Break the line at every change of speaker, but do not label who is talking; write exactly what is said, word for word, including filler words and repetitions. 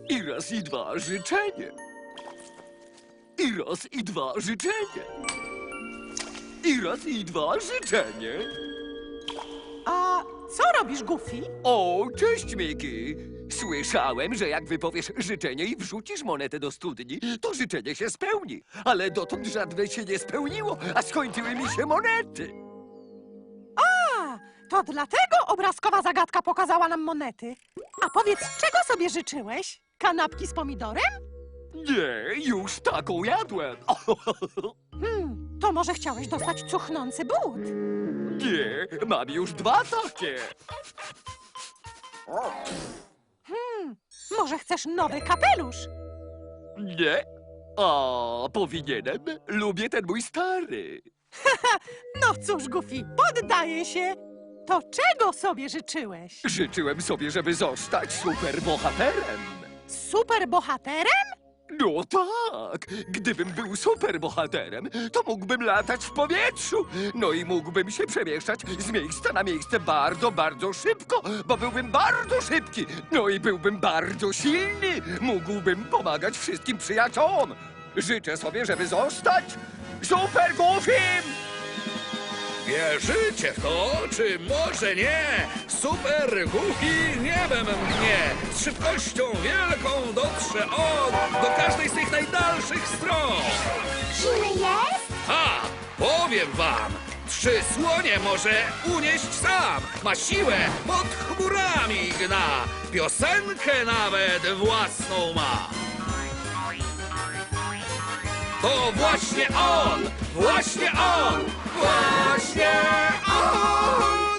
I raz i dwa życzenie. I raz i dwa życzenie. I raz i dwa życzenie.
A co robisz, Goofy?
O, cześć, Miki. Słyszałem, że jak wypowiesz życzenie i wrzucisz monetę do studni, to życzenie się spełni. Ale dotąd żadne się nie spełniło, a skończyły mi się monety.
A, to dlatego obrazkowa zagadka pokazała nam monety. A powiedz, czego sobie życzyłeś? Kanapki z pomidorem?
Nie, już taką jadłem.
Hmm, to może chciałeś dostać cuchnący but?
Nie, mam już dwa takie.
Hmm, może chcesz nowy kapelusz?
Nie? A, powinienem. Lubię ten mój stary.
No cóż, Goofy, poddaję się. To czego sobie życzyłeś?
Życzyłem sobie, żeby zostać superbohaterem.
Superbohaterem?
No tak, gdybym był superbohaterem, to mógłbym latać w powietrzu. No i mógłbym się przemieszczać z miejsca na miejsce bardzo, bardzo szybko, bo byłbym bardzo szybki. No i byłbym bardzo silny. Mógłbym pomagać wszystkim przyjaciołom. Życzę sobie, żeby zostać Super Goofym!
Wierzycie w to, czy może nie? Super Goofy niebem mnie! Z szybkością wielką dotrze on do każdej z tych najdalszych stron!
Silny jest?
Ha! Powiem wam! Trzy słonie może unieść sam! Ma siłę pod chmurami gna! Piosenkę nawet własną ma! To właśnie on! Właśnie on! Właśnie on!